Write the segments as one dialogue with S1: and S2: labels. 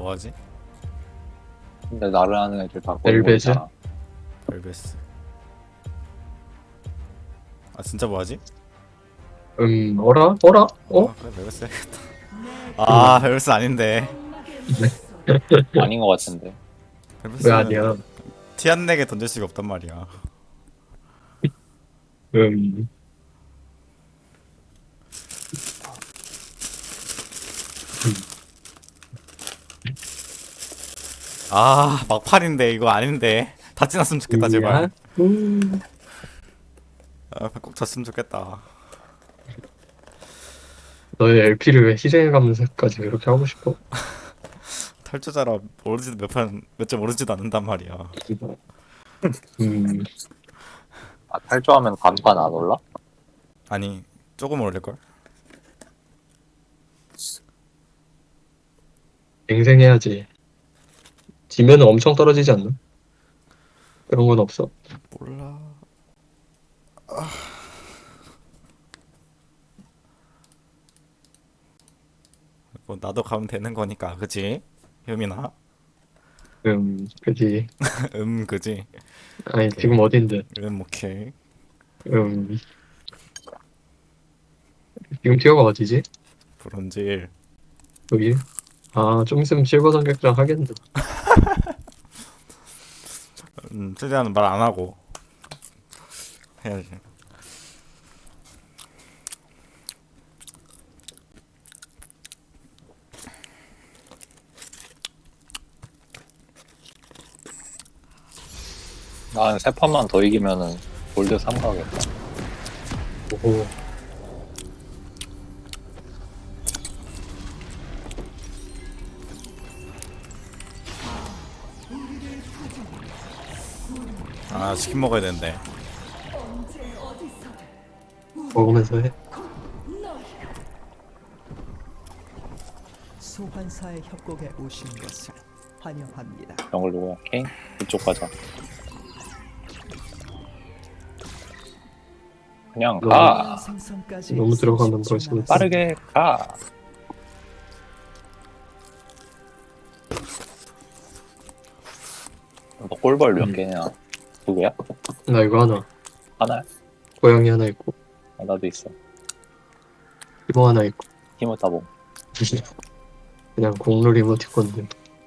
S1: 뭐하지?
S2: 근데 나를 아는 애들 다
S3: 벨벳이야?
S2: 거의
S1: 벨베스. 아 진짜 뭐하지?
S3: 어라? 어라? 어?
S1: 그래 벨베스 해야겠다. 아 벨베스 아닌데.
S2: 아닌 것 같은데.
S3: 왜
S1: 벨베스는
S3: 아니야?
S1: 티 안 내게 던질 수가 없단 말이야.
S3: 음,
S1: 아 막판인데 이거 아닌데. 다 지났으면 좋겠다 제발.
S3: 야,
S1: 아, 꼭 졌으면 좋겠다.
S3: 너의 LP를 왜 희생해가면서까지 그렇게 하고 싶어?
S1: 탈주자라 오르지도 몇 점 오르지도 않는단 말이야.
S3: 음,
S2: 아, 탈주하면 간판 안 올라?
S1: 아니 조금 오를걸?
S3: 갱생해야지. 지면은 엄청 떨어지지 않나? 그런 건 없어.
S1: 몰라. 뭐 나도 가면 되는 거니까 그지? 효민아?
S3: 그지.
S1: 그지?
S3: 아니,
S1: 오케이.
S3: 지금 어딘데?
S1: 오케이.
S3: 음, 지금 티어가 어디지?
S1: 브론즈
S3: 여기? 아, 좀 있으면 실버 삼격장 하겠네.
S1: 최대한 말 안 하고 해야지.
S2: 난 세 판만 더 이기면은 골드 3 가겠다.
S3: 오호.
S1: 아 치킨 먹어야 되는데.
S3: 먹으면서 해.
S4: 소환사의 협곡에 오신 것을 환영합니다.
S2: 정글 누구야? 케인? 이쪽 가자. 그냥 가.
S4: 생성까지
S3: 너무 들어가면
S4: 30초
S3: 벌써
S4: 남았습니다.
S2: 빠르게 가. 너 꼴벌 몇 개냐? 두 개야?
S3: 나 이거 하나.
S2: 하나야?
S3: 고양이 하나 있고,
S2: 아, 나도 있어.
S3: 이모 하나 있고.
S2: 힘을 따봉.
S3: 그냥 공놀 이모티콘들.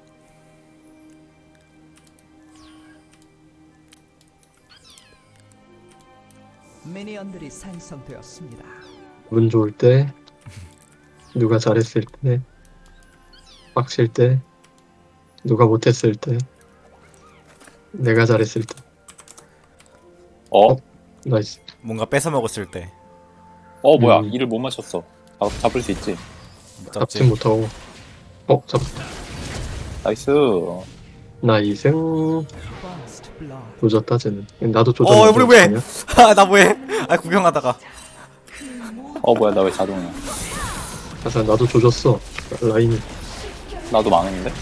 S4: 미니언들이 생성되었습니다.
S3: 기분 좋을 때, 누가 잘했을 때, 빡칠 때, 누가 못했을 때, 내가 잘했을 때.
S2: 어?
S3: 나이스.
S1: 뭔가 뺏어 먹었을 때
S2: 어, 뭐야.
S3: 음.
S2: 이를 못 맞췄어. 잡을 수 있지.
S1: 못
S3: 잡지
S1: 잡지.
S3: 못하고. 잡았다.
S2: 나이스.
S3: 나이스.
S4: First blood.
S3: 조졌다, 쟤는. 나도 조졌는데.
S1: 우리 왜?
S3: 어떡하냐?
S1: 나 뭐해? 아 구경하다가.
S2: 어, 뭐야. 나 왜 자동이야?
S3: 가사 나도 조졌어. 라인이.
S2: 나도 망했는데?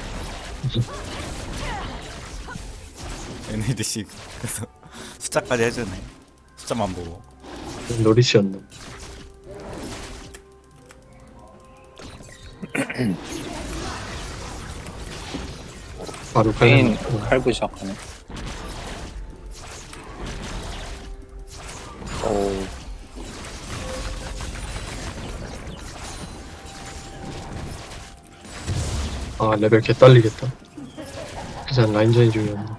S1: NADC 그래서 숫자까지 해주네. 숫자만 보고.
S3: 노리시였네. 바로
S2: 케인
S3: 칼.
S2: 칼부 시작하네. 어,
S3: 아, 레벨 개 딸리겠다. 그냥 라인전이 중요한데.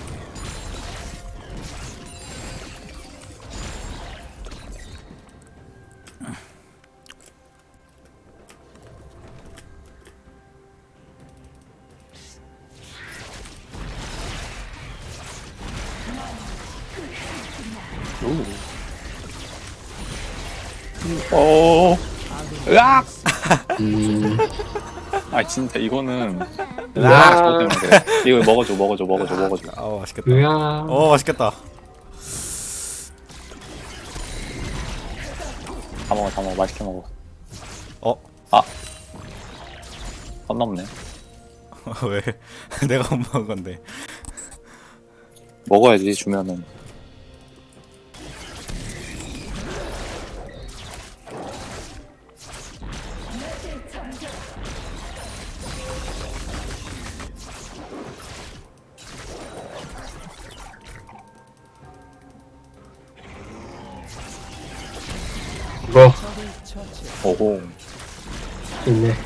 S2: 어, 으악!
S3: 음,
S2: 아, 진짜 이거는.
S3: 으악!
S2: 저거 때문에 그래. 이거 먹어줘.
S1: 아우 맛있겠다.
S3: 으야.
S1: 맛있겠다.
S2: 다 먹어. 맛있게 먹어.
S1: 어?
S2: 선 넘네.
S1: 왜? 내가 못 먹은 건데.
S2: 먹어야지, 주면은. 오호.
S3: 있네.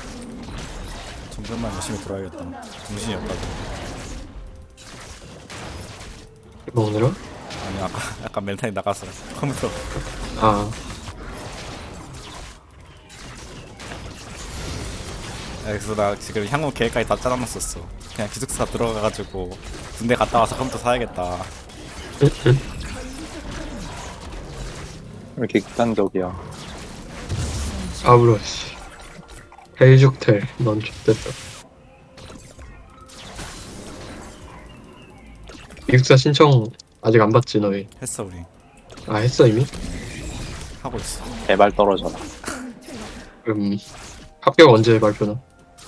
S1: 점점만 열심히 돌아야겠다. 정신이 없다고.
S3: 먹느라?
S1: 아니 아까 약간 멘탈이 나갔어. 컴퓨터.
S3: 아,
S1: 그래서 나 지금 향후 계획까지 다 짜놨었어. 그냥 기숙사 들어가가지고 군대 갔다 와서 컴퓨터 사야겠다.
S2: 왜 이렇게 극단적이야.
S3: 아브로, 씨. 헬죽텔, 넌 X됐다. 기숙사 신청 아직 안 받지, 너희?
S1: 했어 우리.
S3: 아, 했어, 이미?
S1: 하고 있어.
S2: 제발 떨어져라.
S3: 그럼, 합격 언제 발표나?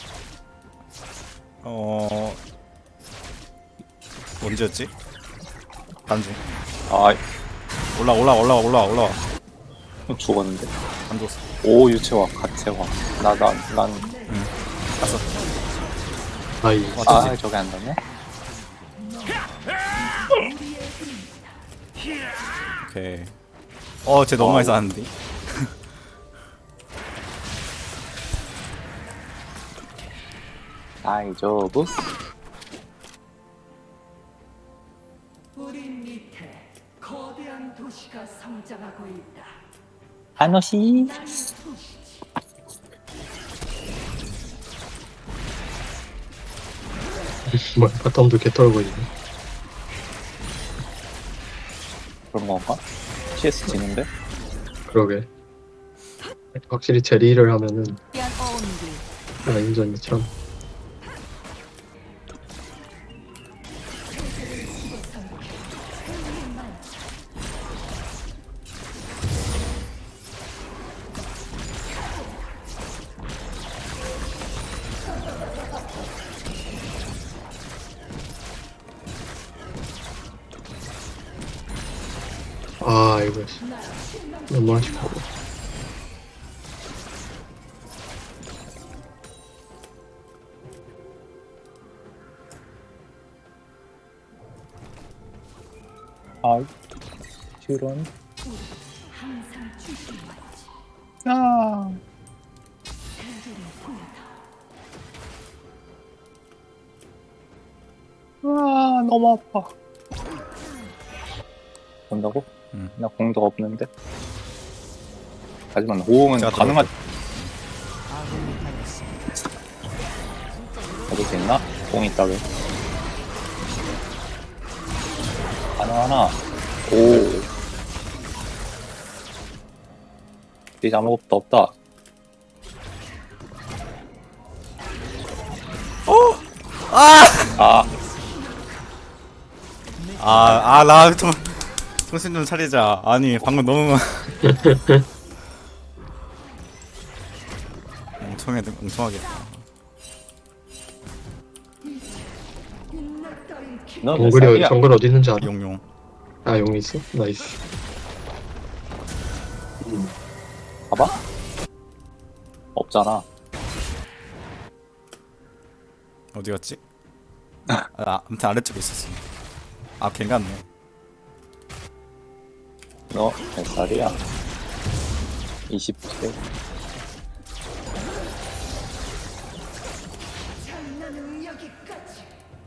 S1: 언제였지? 단중.
S2: 아,
S1: 올라와.
S2: 죽었는데.
S1: 안 줬어.
S2: 오, 유채화, 갓채화. 난,
S1: 갔어.
S3: 아이,
S2: 아, 저게 안 되네?
S1: 오케이. 쟤 너무 많이 쌓았는데.
S2: 다이저브?
S5: 우리 밑에 거대한 도시가 성장하고 있다.
S2: 하노시?
S3: 뭐야, 바텀도 개털고 있네.
S2: 그런 건가? CS 지는데?
S3: 그러게. 확실히 제리를 하면은, 라인전이 참. 아, 이거 너무 아쉽고.
S2: 아, 슈런. 아. 아, 너무 아파. 본다고?
S1: 응.
S2: 나 공도 없는데. 하지만 호응은
S1: 제가
S2: 가능하.
S4: 아군이 당했습니다.
S2: 받을 수 있나? 공 있다고. 가능하나? 오. 이제 아무것도 없다. 아,
S1: 나 정신 좀 차리자. 아니 방금 너무 멍청하겠다.
S2: 너몇 살이야?
S3: 정글 어디 있는지 알아?
S1: 용용.
S3: 아, 용이 있어? 나이스.
S2: 봐봐. 없잖아.
S1: 어디 갔지? 아무튼 아래쪽에 있었어. 걔 같네.
S2: 너 몇 살이야? 20세.
S5: 장난은 여기까지.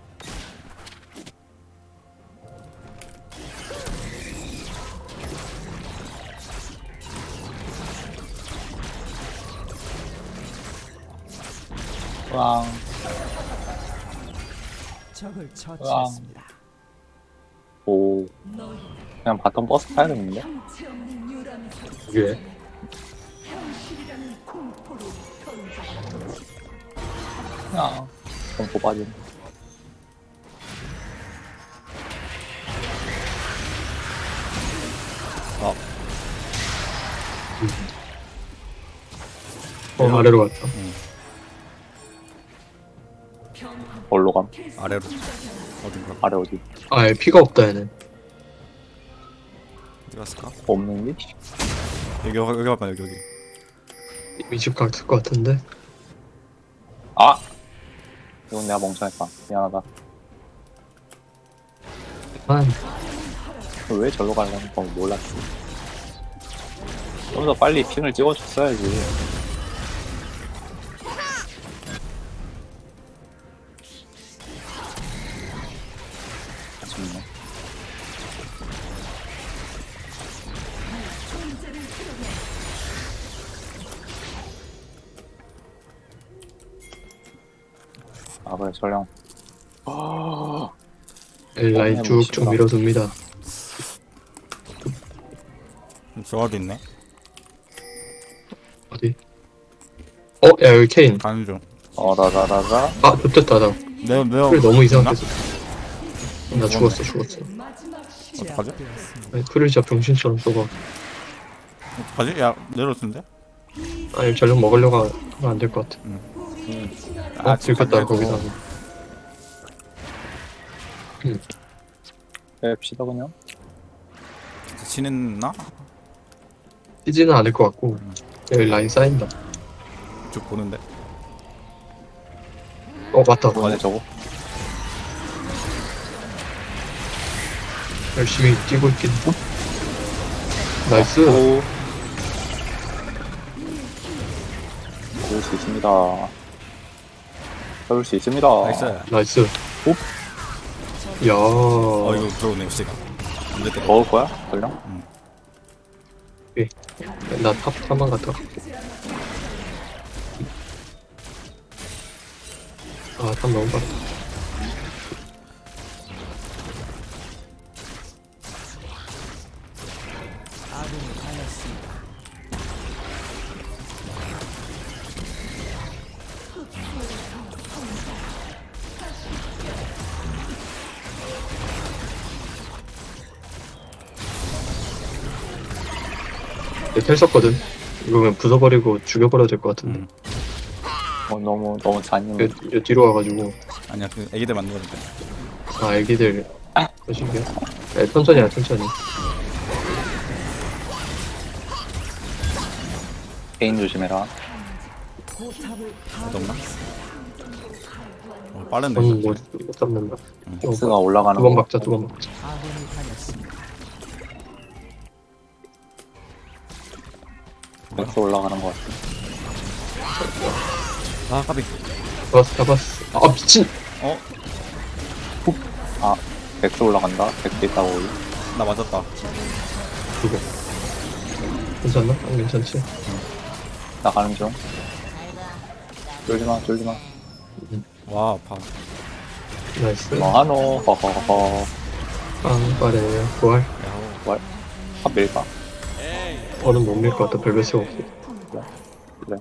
S2: 왕.
S4: 적을 처치했습니다.
S2: 오. 그냥 바텀 버스 타야겠는데?
S5: 형체 없는 유람에서
S3: 그게.
S5: 현실이라는 공포를 던져.
S2: 야. 공포 빠짐.
S3: 아래로 갔다.
S2: 뭘로 감?
S1: 아래로. 어딘가.
S2: 아래 어디?
S3: 아, 얘 피가 없다, 얘는.
S1: 어디 갔을까?
S2: 없는 게?
S1: 여기 봐봐 여기.
S3: 이미 집 갔을 것 같은데?
S2: 아! 이건 내가 멍청했다. 미안하다.
S3: 아,
S2: 왜 절로 가려는 건 몰랐지. 좀 더 빨리 핑을 찍어줬어야지. 아쉽네. 아 그래 전령.
S3: 라인 쭉쭉 밀어줍니다.
S1: 조합이 있네.
S3: 어디? 야 여기 케인.
S1: 가는 중.
S2: 라라라라.
S3: 아 좋겠다 나.
S1: 내가
S3: 풀 너무
S1: 있나?
S3: 이상하게 나 죽었어.
S5: 마지막 시
S1: 어떡하지?
S3: 아니, 풀을 진짜 병신처럼 쏘고.
S1: 어떡하지? 야 내려놓던데?
S3: 아니 전력 먹으려고 하면 안 될 것 같아. 들켰다 거기다.
S2: 뺍시다 그냥.
S1: 치는나?
S3: 뛰지는 않을 것 같고 여기 라인 쌓인다.
S1: 쭉 보는데.
S3: 맞다.
S2: 뭐네 저거?
S3: 열심히 뛰고 있긴. 나이스.
S2: 오. 잡을 수 있습니다. 잡을 수 있습니다.
S1: 나이스.
S3: 나이스. 야.
S1: 이거 들어오네 시가. 언제 때려?
S2: 먹을 거야? 전령?
S3: 나탑 타만 갔다. 탑 너무 빠르다.
S4: 아군이 당했습니다.
S3: 텔 썼거든. 이거 그냥 부숴버리고 죽여버려야 될 것 같은데.
S2: 너무 잔인해.
S3: 여 뒤로 와가지고.
S1: 아니야 그 애기들 만들었는데.
S3: 애기들. 거시기야. 천천히 해, 천천히.
S2: 개인 조심해라.
S4: 포탑을
S1: 없나? 빠른데.
S3: 저는 못 잡는다.
S2: 스가 올라가는
S3: 두 번
S2: 거.
S3: 박자, 두 번 박자.
S4: 아군이 당했습니다.
S2: 백스 올라가는 거 같아.
S1: 아 까비.
S3: 잡았어. 미친!
S2: 백스 올라간다. 백스 있다고.
S1: 나 맞았다.
S3: 죽어. 괜찮나? 안 괜찮지?
S2: 나 가는 중. 쫄지마.
S1: 와 아파.
S3: 나이스.
S2: 뭐하노? 허허허.
S3: 빵빠레. 부활.
S1: 야호.
S2: 탑 밀까?
S3: 어는 못 밀 것 같다. 별별 수가 없어.
S2: 그래.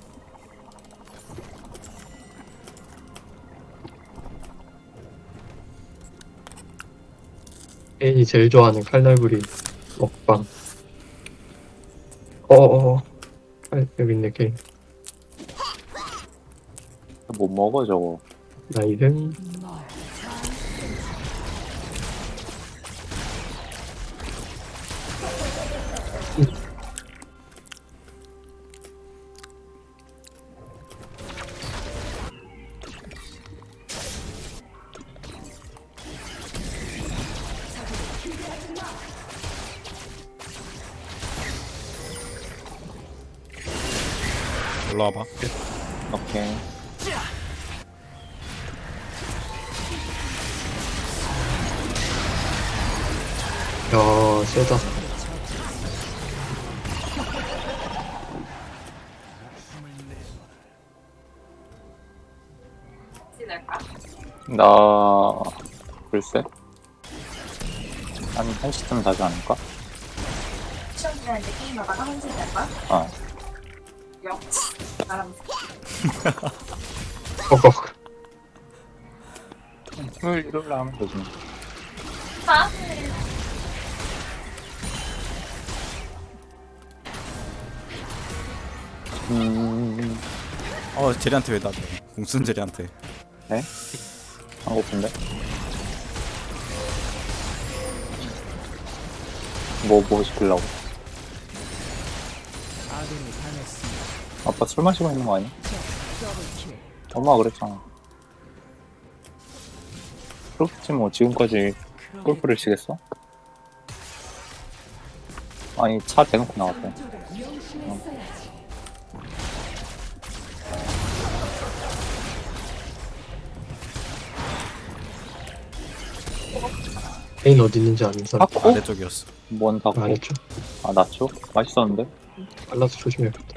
S3: 애인이 제일 좋아하는 칼날부리 먹방. 여기 있네, 게임.
S2: 못 먹어 저거.
S3: 나이는
S1: 올라와봐.
S2: 오케이.
S3: 야, 세다.
S2: 나 글쎄 한 1시쯤 자지 않을까?
S6: 시험 기간인데 게임하다가 한시 될 거야?
S2: 어.
S6: 역시 나랑
S2: 토요일 일요일 하면 되지.
S1: 제리한테 왜 나대? 공순 제리한테.
S2: 네? 안 고픈데? 뭐 시키려고?
S4: 아군이 당했습니다.
S2: 아빠 술 마시고 있는 거 아니야?
S4: 더블킬.
S2: 엄마가 그랬잖아. 그렇지 뭐 지금까지 골프를 치겠어? 아니 차 대놓고 나왔대.
S5: 명심했어야지.
S3: 페인 어디 있는지 아는 사람
S2: 타코?
S1: 아래쪽이었어.
S2: 뭔 타코?
S3: 알았죠?
S2: 아 나초? 맛있었는데?
S3: 빨라서 조심해야겠다.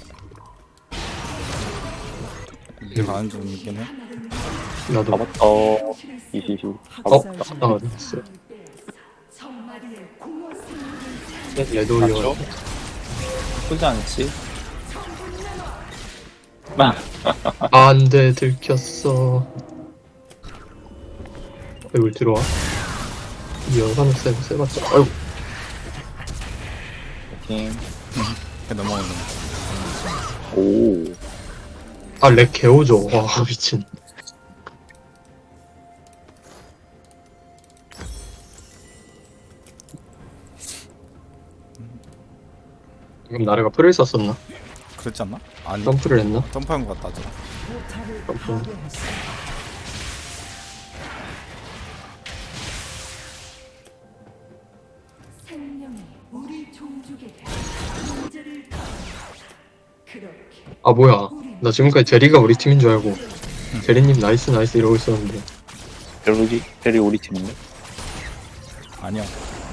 S1: 이게 가는 중이긴 해.
S3: 나도
S2: 잡았다. 이시시.
S4: 학살
S2: 잡았다.
S4: 중
S3: 아 됐어.
S5: 정마리의 공허 생명을
S3: 얘도
S2: 나초?
S3: 올려.
S2: 나쁘지 않지?
S3: 안돼 들켰어. 여기 들어와. 이 영상 세봤자. 아이고
S2: 팀.
S1: 그냥 넘어가는 거.
S2: 오.
S3: 아렉 개오죠. 와 미친. 그럼 나래가 풀을 썼었나?
S1: 그랬지 않나? 아니
S3: 점프를 했나?
S1: 점프한 것 같다. 저.
S4: 포탑을
S3: 점프.
S4: 파괴했습니다.
S5: 생명이 우리 종족에게 문제를 다 그렇게
S3: 아 뭐야? 나 지금까지 제리가 우리 팀인 줄 알고 제리님 나이스 나이스 이러고 있었는데
S2: 베리 우리 팀인데?
S1: 아니야.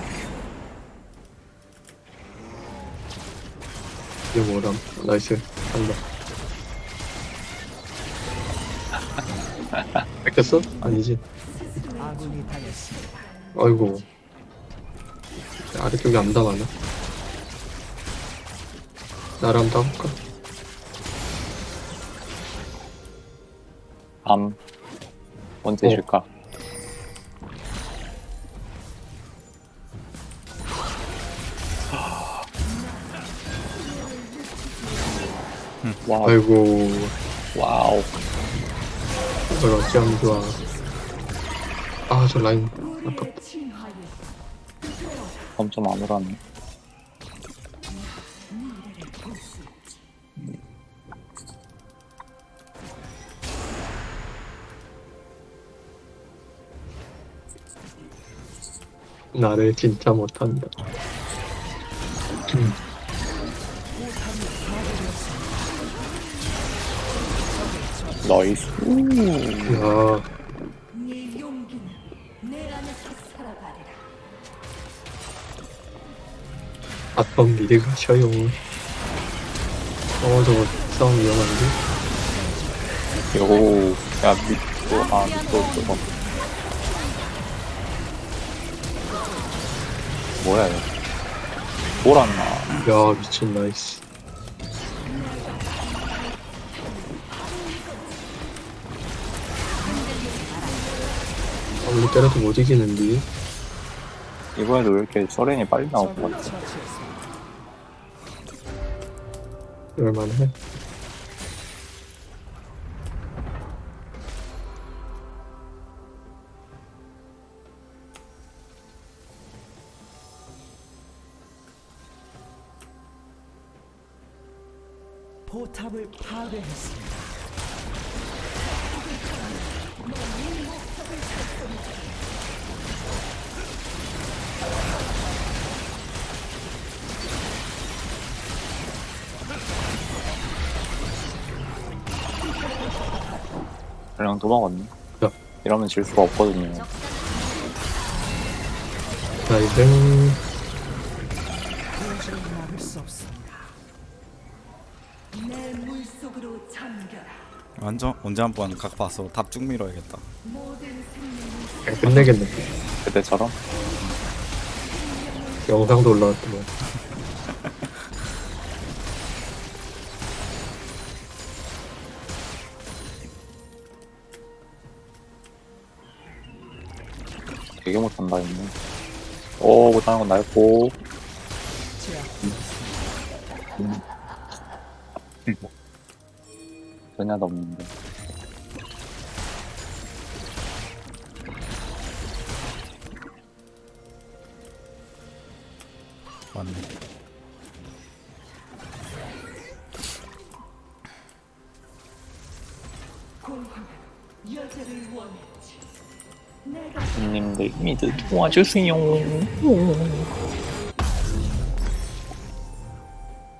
S3: 이게 뭐람? 나이스 한다. 뺏겼어? 아니지.
S4: 아군이 당했습니다.
S3: 아이고 아래쪽에 안 당하나? 나랑 따볼까?
S2: 밤. 언제
S3: 어.
S2: 줄까? 와우.
S3: 아이고
S2: 와우.
S3: 이걸 어찌하면 좋아. 아 저 라인 아깝다.
S5: 진화에
S2: 점점 아무렇네.
S3: 나를 진짜 못한다.
S2: 나이스.
S3: 야
S5: 네 용기는 내 안에서 살아가리라.
S3: 아tom 미드 가셔요. 저거 싸움 위험한데?
S2: 요. 야, 밑도 저거. 뭐야, 이거. 돌았나?
S3: 야 미친 나이스. 아무리 때려도 못 이기는데.
S2: 이번에도 왜 이렇게 서렌이 빨리 나올 것
S4: 적을
S2: 같아?
S4: 처치했습니다.
S3: 그럴만해.
S4: 포탑을 파괴했습니다.
S2: 그냥 도망갔네.
S3: 야.
S2: 이러면 질 수가 없거든요.
S3: 나이스.
S4: 도저히 막을 수 없습니다.
S5: 내 물속으로 잠겨라.
S1: 완전 언제 한번 각 봐서 답 쭉 밀어야겠다.
S5: 모든 생명이
S3: 그냥 끝내겠는데.
S2: 그때처럼?
S3: 영상도 올라왔더만.
S2: 되게 못한다, 했네. 오, 못하는 건 나였고. 전혀도 없는데.
S1: 맞네.
S5: 공허는 여자를 원했지. 내가
S2: 님들 미드 도와주세요.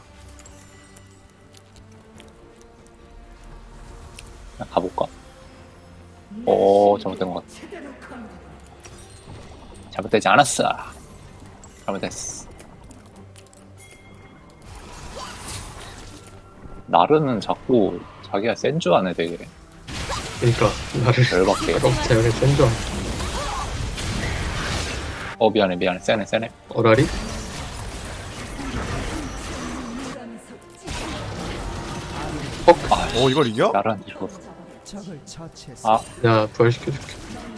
S2: 그냥 가볼까? 오, 잘못된 것 같아. 잘못되지 않았어. 잘못됐어. 나르는 자꾸 자기가 센 줄 아네, 되게.
S3: 그러니까 나를
S2: 열받게.
S3: 제가 센줄 알아.
S2: 미안해. 세네.
S3: 어라리?
S1: 오 이걸 이겨?
S2: 나르는 이거.
S4: 적을 처치했습니다.
S2: 아,
S3: 야 부활시켜줄게.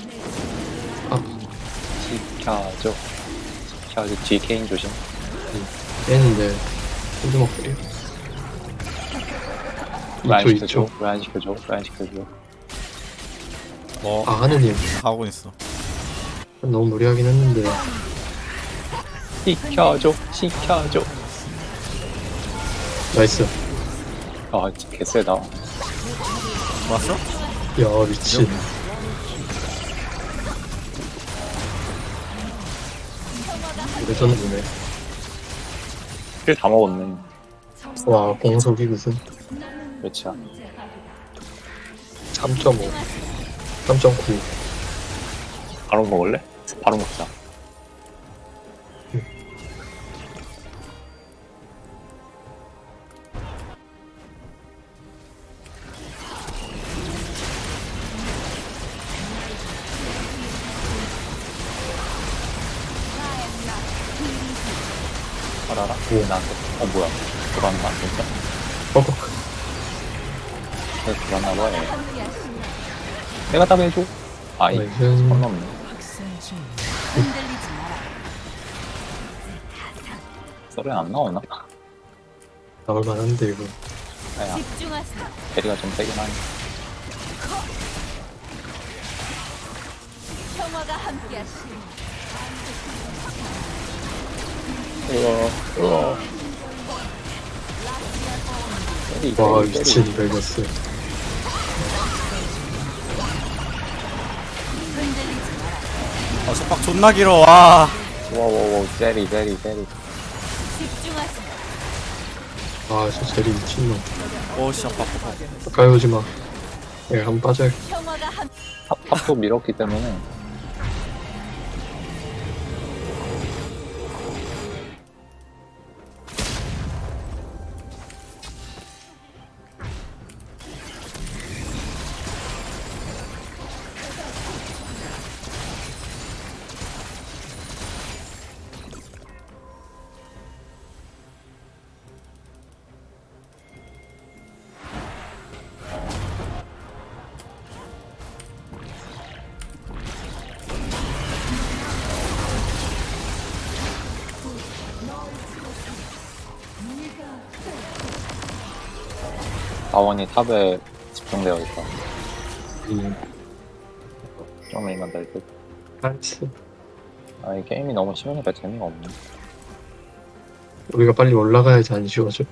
S2: 시켜줘. 뒤 케인 조심.
S3: 얘는데 핸드 먹거리.
S2: 왜 안
S3: 2초
S2: 시켜줘?
S3: 2초.
S2: 왜 안 시켜줘?
S1: 뭐
S3: 아 하느님
S1: 하고 있어.
S3: 너무 무리하긴 했는데.
S2: 시켜줘.
S3: 나이스.
S2: 아, 진짜 개쎄다.
S1: 왔어?
S3: 야 미친. 레전드 보네.
S2: 킬 다 먹었네.
S3: 와 공속이 무슨
S2: 몇이야?
S3: 3.5 3.9.
S2: 바로 먹을래? 바로 먹자. 알아라? 나한테. 뭐야. 돌았나? 진짜? 내가 돌았나봐, 얘. 내가 답 해줘. 아이,
S3: 나이스.
S2: 선 넘네.
S4: 학생 중
S2: 썰은 안 나오나?
S3: 나올 만한데 이거.
S2: 아야, 베리가 좀 세긴 하네. 우와. 때리
S3: 와
S2: 때리
S3: 미친
S2: 때리.
S3: 벨거스.
S1: 속박 존나 길어. 와.
S2: 와와와 때리 때리 때리.
S3: 아저 제리 미친놈.
S1: 오씨 아파.
S3: 가까이 오지마. 내가 한번 빠져.
S2: 탑도 밀었기 때문에 자원이 탑에 집중되어 있다. 좀만 될 듯.
S3: 나이스.
S2: 아, 이 게임이 너무 쉬우니까 재미가 없네.
S3: 우리가 빨리 올라가야지 안 쉬워져.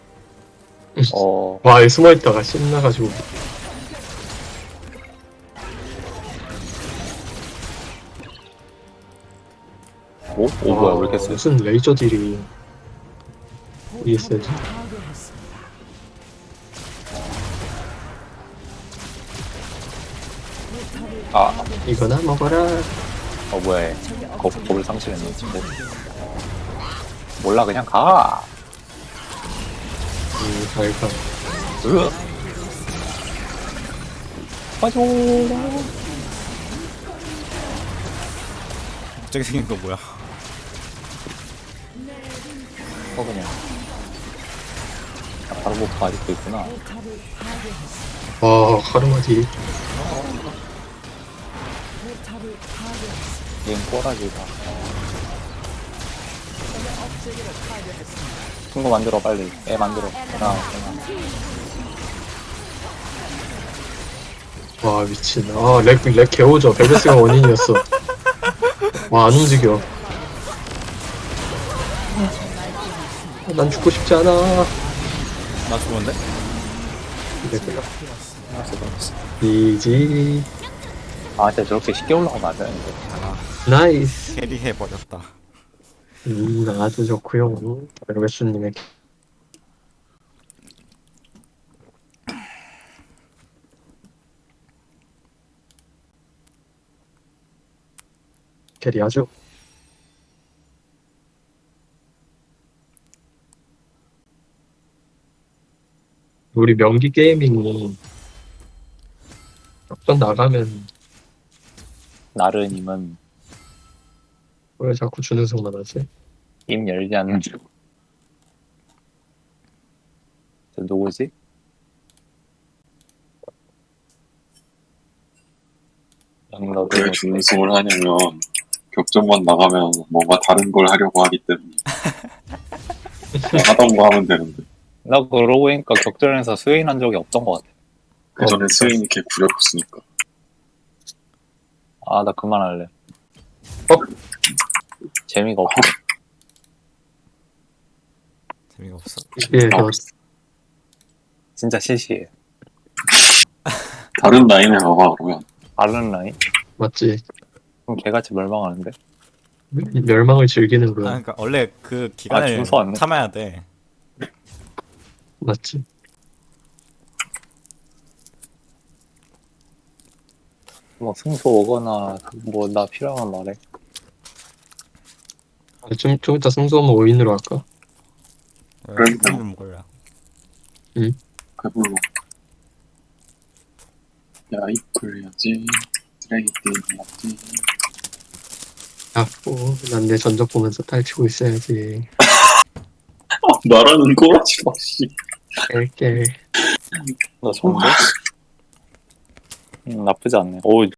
S2: 어,
S3: 와, 숨어있다가 신나가지고.
S2: 오? 오, 뭐야, 왜 이렇게 세?
S3: 무슨 레이저 딜이 이게 세지?
S4: 파괴했습니다.
S2: 아,
S3: 이거나 먹어라.
S2: 뭐야, 얘. 겁을 상실했네, 친구. 몰라, 그냥 가!
S3: 잘 가.
S2: 으악! 빠져!
S1: 갑자기 생긴 거 뭐야?
S2: 그냥. 아, 바로 뭐 아직도 있구나.
S3: 와, 카르마 딜.
S2: 얘는 꼬라지다. 친구 만들어, 빨리. 애 만들어. 하나.
S3: 와, 미친. 아, 렉 개오죠. 벨베스가 원인이었어. 와, 안 움직여. 난 죽고 싶지 않아.
S1: 나 죽었는데?
S3: 이지.
S2: 아, 진짜 저렇게 쉽게 올라가면 안 되는데.
S3: 나이스.
S1: 캐리해버렸다.
S3: 아주 좋구요. 벨베스님의 캐리 아주. 우리 명기 게이밍이 어떤 나가면
S2: 나르님은
S3: 왜 자꾸 주는 성만 하지?
S2: 입 열지 않는 중. 저 누구지? 양러드.
S7: 왜 준우승을 하냐면 격전만 나가면 뭔가 다른 걸 하려고 하기 때문에 그냥 하던 거 하면 되는데
S2: 나 그러고 보니까 격전에서 스웨인 적이 없던 것 같아.
S7: 그 전에 스웨인이 걔 구렸었으니까.
S2: 아, 나 그만할래. 재미가 없어.
S1: 재미가 없어.
S3: 예,
S2: 진짜 시시해.
S7: 다른 라인에 가봐 그러면.
S2: 다른 라인?
S3: 맞지.
S2: 그럼 개같이 멸망하는데?
S3: 멸망을 즐기는
S1: 아
S3: 거야.
S1: 그러니까 원래 그 기간을
S2: 준수 왔네.
S1: 참아야 돼.
S3: 맞지.
S2: 뭐 승소 오거나 뭐 나 필요하면 말해.
S3: 좀 이따 승소하면 5인으로 할까?
S7: 그러니까.
S1: 몰라.
S7: 배불러. 야 이퀄 해야지. 쓰레기 게임 해야지.
S3: 난 내 전적 보면서 딸치고 있어야지.
S7: 말하는 꼬라지 마 씨.
S3: 깰깰.
S2: 나 좋은데? 나쁘지 않네. 오,